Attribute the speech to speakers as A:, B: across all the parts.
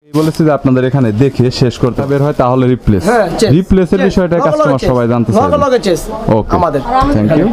A: বলেছি যে আপনাদের এখানে দেখে শেষ করতে বের হয় তাহলে রিপ্লেস রিপ্লেসের বিষয়টা কাস্টমার সবাই জানতে চায়। ওকে
B: আমাদের
A: থ্যাংক ইউ।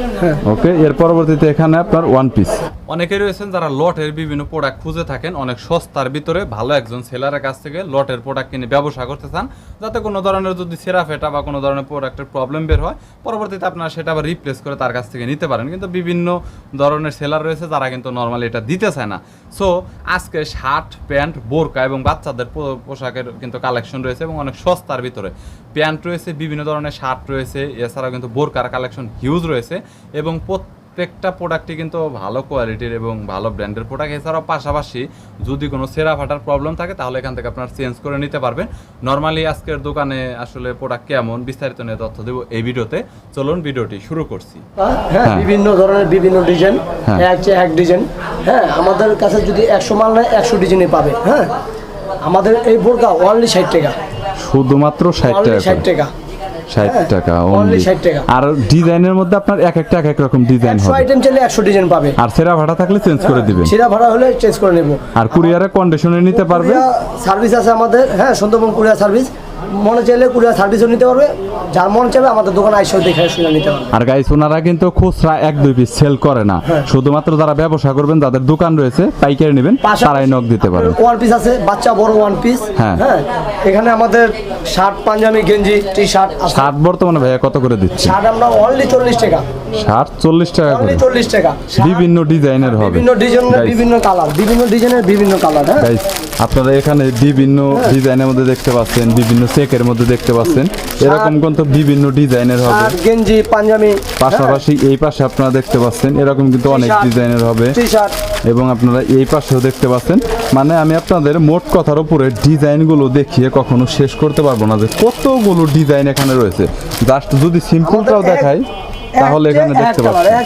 A: ওকে এর পরবর্তীতে এখানে আপনার ওয়ান পিস।
C: অনেকে রয়েছেন যারা লটের বিভিন্ন প্রোডাক্ট খুঁজে থাকেন অনেক সস্তার ভিতরে ভালো একজন সেলারের কাছ থেকে লটের প্রোডাক্ট কিনে ব্যবসা করতে চান, যাতে কোনো ধরনের যদি সেরা ফেটা বা কোনো ধরনের প্রোডাক্টের প্রবলেম বের হয় পরবর্তীতে আপনারা সেটা আবার রিপ্লেস করে তার কাছ থেকে নিতে পারেন। কিন্তু বিভিন্ন ধরনের সেলার রয়েছে যারা কিন্তু নর্মালি এটা দিতে চায় না। সো আজকে শার্ট প্যান্ট বোরকা এবং বাচ্চাদের পোশাকের কিন্তু কালেকশন রয়েছে এবং অনেক সস্তার ভিতরে প্যান্ট রয়েছে, বিভিন্ন ধরনের শার্ট রয়েছে, এছাড়াও কিন্তু বোরকার কালেকশন হিউজ রয়েছে এবং প্রত্যেকটা প্রোডাক্টই কিন্তু ভালো কোয়ালিটির এবং ভালো ব্র্যান্ডের প্রোডাক্ট। এছাড়াও পাশাপাশি যদি কোনো সেরা ফাটার প্রবলেম থাকে তাহলে এখান থেকে আপনার চেঞ্জ করে নিতে পারবেন। নর্মালি আজকের দোকানে আসলে প্রোডাক্ট কেমন বিস্তারিত নিয়ে তথ্য দেবো এই ভিডিওতে। চলুন ভিডিওটি শুরু করছি।
B: হ্যাঁ বিভিন্ন ধরনের বিভিন্ন ডিজাইন, এক ডিজাইন। হ্যাঁ আমাদের কাছে যদি 100 মাল নেয় 100 ডিজাইনই পাবে। হ্যাঁ আমাদের এই বোরকা অনলি 60 টাকা,
A: শুধুমাত্র 60 টাকা,
B: 60 টাকা,
A: 60 টাকা
B: অনলি 60 টাকা।
A: আর ডিজাইনের মধ্যে আপনার এক একটা এক এক রকম ডিজাইন
B: 100
A: হবে।
B: আইটেম চাইলে 100 ডিজাইন পাবে।
A: আর সেরা ভাড়া থাকলে চেঞ্জ করে দিবেন।
B: সেরা ভাড়া হলে চেঞ্জ করে নেব।
A: আর কুরিয়ারে কন্ডিশনে নিতে পারবে।
B: সার্ভিস আছে আমাদের, হ্যাঁ সুন্দরবন কুরিয়ার সার্ভিস। মনে চাইলে কুরিয়ার সার্ভিসও নিতে পারবে, যার মন চাইবে আমাদের দোকানে আইসা দেখে শুনে নিতে পারবে।
A: আর গাইস ওনারা কিন্তু খুচরা 1-2 পিস সেল করে না, শুধুমাত্র যারা ব্যবসা করবেন যাদের দোকান রয়েছে পাইকারি নেবেন তারাই নক দিতে পারেন।
B: ওয়ান পিস আছে, বাচ্চা বড় ওয়ান পিস। হ্যাঁ এখানে আমাদের শার্ট পাঞ্জাবি গেঞ্জি টি শার্ট আছে।
A: শার্ট বর্তমানে ভাইয়া কত করে দিচ্ছে?
B: শার্ট আমরা অনলি 40 টাকা।
A: শার্ট 40 টাকা করে,
B: 40 টাকা।
A: বিভিন্ন ডিজাইনের হবে,
B: বিভিন্ন ডিজাইনের বিভিন্ন কালার, বিভিন্ন ডিজাইনের বিভিন্ন কালার। হ্যাঁ
A: গাইস আপনারা এখানে বিভিন্ন ডিজাইনের মধ্যে দেখতে পাচ্ছেন, বিভিন্ন চেকের মধ্যে দেখতে পাচ্ছেন, এরকম কিন্তু বিভিন্ন ডিজাইনের হবে।
B: আর গেঞ্জি পাঞ্জাবি
A: পাশাপাশি এই পাশে আপনারা দেখতে পাচ্ছেন এরকম কিন্তু অনেক ডিজাইনের হবে
B: টি শার্ট,
A: এবং আপনারা এই পাশেও দেখতে পাচ্ছেন। মানে আমি আপনাদের মোট কথার উপরে ডিজাইনগুলো দেখিয়ে কখনো শেষ করতে পারবো না যে কতগুলো ডিজাইন এখানে রয়েছে। জাস্ট যদি সিম্পলটাও দেখাই তাহলে এখানে দেখতে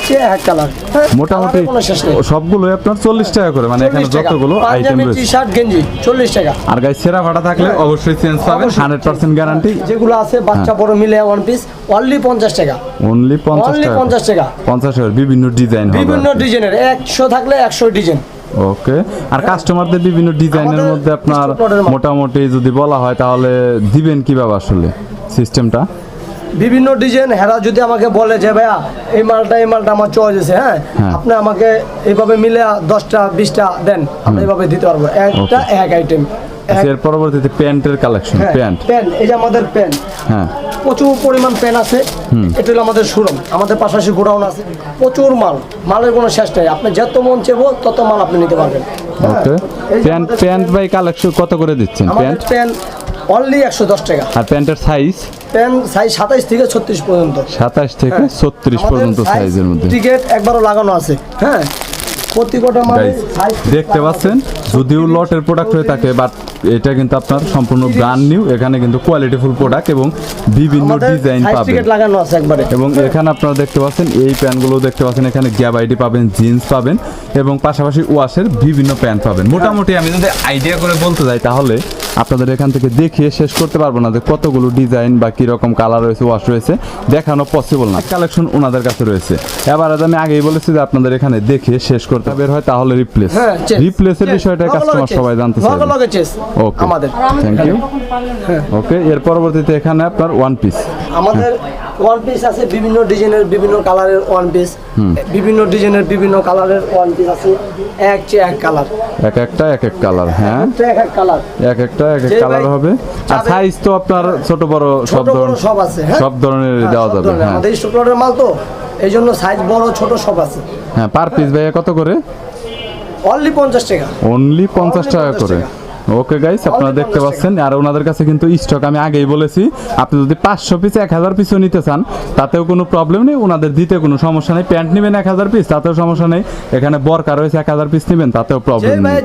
A: পাচ্ছেন মোটামুটি সবগুলো আপনার 40 টাকা করে, মানে এখানে যতগুলো আইটেম রয়েছে।
B: টি শার্ট গেঞ্জি 40 টাকা।
A: আর গাইস সেরা ভাড়া থাকলে অবশ্যই চেঞ্জ পাবেন, 100% গ্যারান্টি।
B: যেগুলো আছে বাচ্চা বড় মিলে ওয়ান পিস অনলি 50 টাকা,
A: অনলি 50 টাকা,
B: 50 টাকা,
A: 50 টাকা। বিভিন্ন ডিজাইন হবে,
B: বিভিন্ন ডিজাইনের 100 থাকলে 100 ডিজাইন।
A: ওকে। আর কাস্টমারদের বিভিন্ন ডিজাইনের মধ্যে আপনার মোটামুটি যদি বলা হয় তাহলে দিবেন কিভাবে আসলে সিস্টেমটা?
B: বিভিন্ন ডিজাইন হেরা যদি আমাকে বলে যে ভাইয়া এই মালটা আমার চয়েস আছে, হ্যাঁ আপনি আমাকে এইভাবে মিলে 10টা 20টা দেন, আমরা এইভাবে দিতে পারবো। একটা এক আইটেম।
A: এর পরবর্তীতে প্যান্টের কালেকশন। প্যান্ট
B: এই যে আমাদের প্যান্ট,
A: হ্যাঁ
B: প্রচুর পরিমাণ প্যান্ট আছে। এটা হলো আমাদের শোরুম, আমাদের পাশাপাশি গোডাউন আছে, প্রচুর মালের কোনো শেষ নেই। আপনি যত মন চাইবো তত মাল আপনি নিতে পারবেন।
A: ওকে। প্যান্ট বাই কালেকশন কত করে দিচ্ছেন?
B: প্যান্ট অনলি 110 টাকা।
A: আর প্যান্টের সাইজ?
B: প্যান্ট সাইজ 27 থেকে 36 পর্যন্ত।
A: 27 থেকে 36 পর্যন্ত সাইজের মধ্যে
B: টিকেট একবারও লাগানো আছে। হ্যাঁ প্রত্যেকটা মালে
A: দেখতে পাচ্ছেন, যদিও লটের প্রোডাক্ট হয়ে থাকে বাট এটা কিন্তু আপনার সম্পূর্ণ ব্র্যান্ড নিউ। এখানে কিন্তু কোয়ালিটিফুল প্রোডাক্ট এবং বিভিন্ন ডিজাইন পাবেন,
B: টিকেট লাগানো আছে একবারে।
A: এবং এখানে আপনারা দেখতে পাচ্ছেন এই প্যান্টগুলো দেখতে পাচ্ছেন, এখানে গ্যাপ আইডি পাবেন, জিন্স পাবেন এবং পাশাপাশি ওয়াশের বিভিন্ন প্যান্ট পাবেন। মোটামুটি আমি যদি আইডিয়া করে বলতে যাই তাহলে আপনাদের এখান থেকে দেখিয়ে শেষ করতে পারবো না যে কতগুলো ডিজাইন বা কিরকম কালার রয়েছে, ওয়াশ রয়েছে, দেখানো পসিবল না। কালেকশন ওনাদের কাছে রয়েছে। এবার আমি আগেই বলেছি যে আপনাদের এখানে দেখে শেষ করতে বের হয় তাহলে রিপ্লেসের বিষয়টা কাস্টমার সবাই জানতে চায়। ওকে
B: আমাদের
A: থ্যাংক ইউ। ওকে এর পরবর্তীতে এখানে আপনার ওয়ান পিস।
B: আমাদের ওয়ান পিস আছে বিভিন্ন ডিজাইনের বিভিন্ন কালারের ওয়ান পিস, বিভিন্ন ডিজাইনের বিভিন্ন কালারের ওয়ান পিস আছে। এক কালার,
A: এক একটা এক এক কালার। হ্যাঁ
B: এক কালার,
A: এক একটা এক এক কালার হবে। আর সাইজ তো আপনার ছোট বড়
B: সব আছে,
A: সব ধরনের দেওয়া যাবে। হ্যাঁ
B: আমাদের স্টকলটের মাল তো এই জন্য সাইজ বড় ছোট সব আছে।
A: হ্যাঁ পার পিস ভাইয়া কত করে?
B: অনলি 50 টাকা,
A: অনলি 50 টাকা করে। ওকে গাইস আপনারা দেখতে পাচ্ছেন। আর ওনাদের কাছে কিন্তু স্টক আমি আগেই বলেছি, আপনি যদি 500 পিস 1000 পিসও নিতে চান তাতেও কোনো প্রবলেম নেই, ওনাদের দিতে কোনো সমস্যা নেই। প্যান্ট নেবেন 1000 পিস তাতেও সমস্যা নেই, এখানে বোরকা রয়েছে 1000 পিস নেবেন তাতেও প্রবলেম নেই।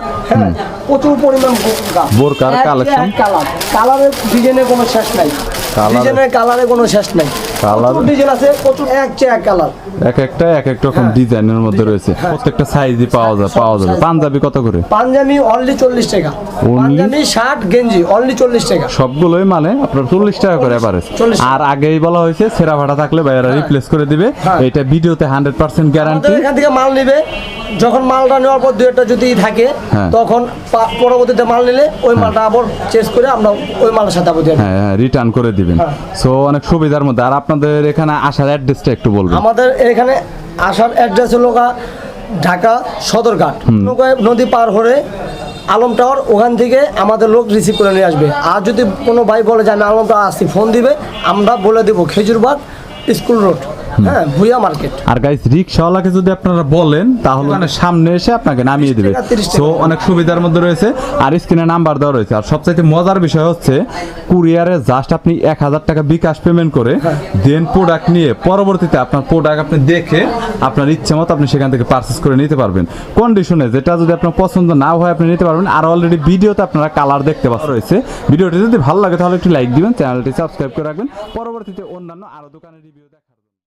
B: প্রচুর পরিমাণ
A: বোরকার কালেকশন,
B: কালারের ডিজাইনের কোনো শেষ নাই, ডিজাইনের কালারে কোনো শেষ নাই।
A: কালার
B: প্রচুর ডিজাইন আছে, প্রচুর এক চেয়ে এক কালার।
A: এক একটা এক এক রকম ডিজাইনের মধ্যে রয়েছে, প্রত্যেকটা সাইজই পাওয়া যাবে। পাঞ্জাবি কত করে?
B: পাঞ্জাবি অনলি 40 টাকা, পাঞ্জাবি শার্ট গেঞ্জি অনলি 40 টাকা।
A: সবগুলোই মানে আপনার 40 টাকা করে এভারেজ।
B: 40
A: আর আগেই বলা হয়েছে ছেঁড়া ফাটা থাকলে ভাইয়ারা রিপ্লেস করে দিবে, এটা ভিডিওতে 100% গ্যারান্টি।
B: আমাদের এখান থেকে মাল নিবে, যখন মালটা নেওয়ার পর 2 একটা যদি থাকে
A: হ্যাঁ।
B: তখন পরবর্তীতে মাল নিলে ওই মালটা আবার চেঞ্জ করে আমরা ওই মালের সাথে আবার দিয়ে দেব।
A: হ্যাঁ রিটার্ন করে দিবেন।
B: হ্যাঁ।
A: সো অনেক সুবিধার মধ্যে। আর আপনাদের এখানে আসার অ্যাড্রেসটা একটু বলবেন।
B: আমাদের এখানে আসার অ্যাড্রেস হলো ঢাকা সদরঘাট, নদী পার হয়ে আলম টাওয়ার, ওখান থেকে আমাদের লোক রিসিভ করে নিয়ে আসবে। আর যদি কোনো ভাই বলে যে আমি আলম টাওয়ার আসছি, ফোন দিবে, আমরা বলে দেবো খেজুরবাগ স্কুল রোড, হ্যাঁ, ভুইয়া মার্কেট।
A: আর গাইস রিকশাওয়ালাকে যদি আপনারা বলেন তাহলে মানে সামনে এসে আপনাকে নামিয়ে দিবে।
B: 30 টাকা।
A: সো অনেক সুবিধার মধ্যে রয়েছে। আর স্ক্রিনে নাম্বার দেওয়া রয়েছে। আর সবচাইতে মজার বিষয় হচ্ছে কুরিয়ারে জাস্ট আপনি 1000 টাকা বিকাশ পেমেন্ট করে দেন প্রোডাক্ট নিয়ে পরবর্তীতে আপনার প্রোডাক্ট আপনি দেখে আপনার ইচ্ছে মতো আপনি সেখান থেকে পারচেস করে নিতে পারবেন কন্ডিশনে। যেটা যদি আপনার পছন্দ না হয় আপনি নিতে পারবেন। আর অলরেডি ভিডিওতে আপনারা কালার দেখতে পাচ্ছেন রয়েছে। ভিডিওটি যদি ভালো লাগে তাহলে একটু লাইক দিবেন, চ্যানেলটি সাবস্ক্রাইব করে রাখবেন। পরবর্তীতে অন্যান্য আরো দোকানের রিভিউ